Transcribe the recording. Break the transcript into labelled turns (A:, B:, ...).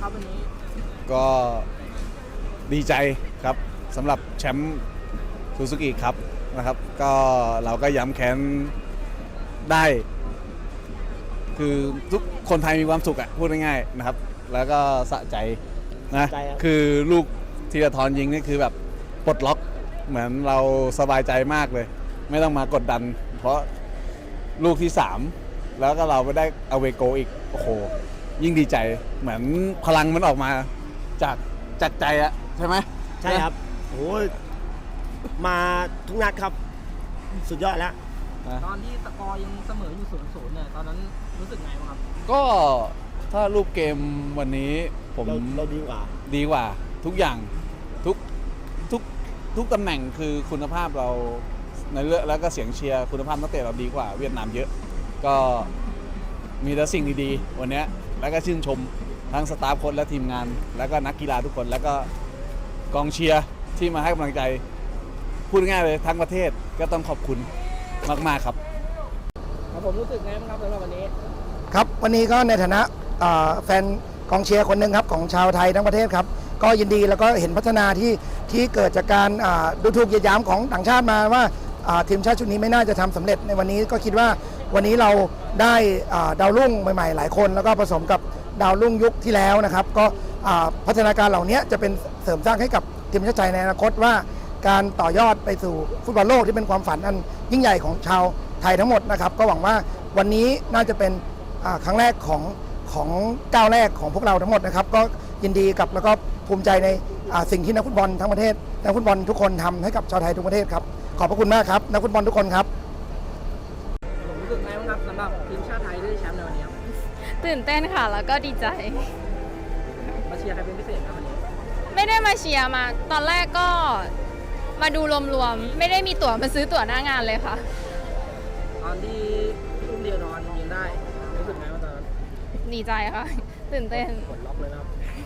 A: ครับวันนี้
B: ก็ดีใจครับสำหรับแชมป์ซูซูกิครับนะครับก็เราก็ย้ำแค้นได้คือทุกคนไทยมีความสุขพูดง่ายๆนะครับแล้วก็สะใจนะคือลูกธีรทรยิงนี่คือแบบปลดล็อกเหมือนเราสบายใจมากเลยไม่ต้องมากดดันเพราะลูกที่3แล้วก็เราไปได้เอาเวโกอีกโอ้โหยิ่งดีใจเหมือนพลังมันออกมาจากใจอะใช่ไหม
C: ใช่ครับโอ้มาทุกนัดครับสุดยอดแล้ว
A: ตอนที่สกอร์ยังเสมออยู่0-0เนี่ยตอนนั้นรู้สึกไงบ้างครับ
B: ก็ถ้ารูปเกมวันนี้ผม
C: เราดีก
B: ว่าทุกอย่างทุกตำแหน่งคือคุณภาพเราในเรื่องแล้วก็เสียงเชียร์คุณภาพนักเตะเราดีกว่าเวียดนามเยอะก็มีแต่สิ่งดีๆวันนี้แล้วก็ชื่นชมทั้งสตาฟโค้ชและทีมงานแล้วก็นักกีฬาทุกคนแล้วก็กองเชียร์ที่มาให้กำลังใจพูดง่ายเลยทั้งประเทศก็ต้องขอบคุณมากๆครับ
A: ผมรู้สึกไงบ้างครับสำหรับวันนี้
D: ครับวันนี้ก็ในฐานะแฟนกองเชียร์คนหนึ่งครับของชาวไทยทั้งประเทศครับก็ยินดีแล้วก็เห็นพัฒนาที่เกิดจากการดูถูกเหยียดหยามของต่างชาติมาว่าทีมชาติชุดนี้ไม่น่าจะทำสำเร็จในวันนี้ก็คิดว่าวันนี้เราได้ดาวรุ่งใหม่ๆหลายคนแล้วก็ผสมกับดาวรุ่งยุคที่แล้วนะครับก็พัฒนาการเหล่านี้จะเป็นเสริมสร้างให้กับทีมชาติไทยในอนาคตว่าการต่อยอดไปสู่ฟุตบอลโลกที่เป็นความฝันอันยิ่งใหญ่ของชาวไทยทั้งหมดนะครับก็หวังว่าวันนี้น่าจะเป็นครั้งแรกของก้าวแรกของพวกเราทั้งหมดนะครับก็ยินดีกับแล้วก็ภูมิใจในสิ่งที่นักฟุตบอลทั้งประเทศนักฟุตบอลทุกคนทำให้กับชาวไทยทุกประเทศครับขอบพระคุณมากครับนักฟุตบอลทุกคนครับ
A: ผมรู้สึกไงบ้างครับสำหรับทีมชาติไทยที่ได้แชมป์ในวันนี้ครับ
E: ตื่นเต้นค่ะแล้วก็ดีใจ
A: มาเชียร์ใครเป็นพิเศษครับวันนี้
E: ไม่ได้มาเชียร์มาตอนแรกก็มาดูรวมๆไม่ได้มีตั๋วมาซื้อตั๋วหน้างานเลยค่ะ
A: ตอนที่พี่อุ้มเดียวนอนยิงได้รู้สึกไงบ้างตอนนั้น
E: ดีใจค่ะตื่นเต้น
A: กดล็อกเลยนะครับ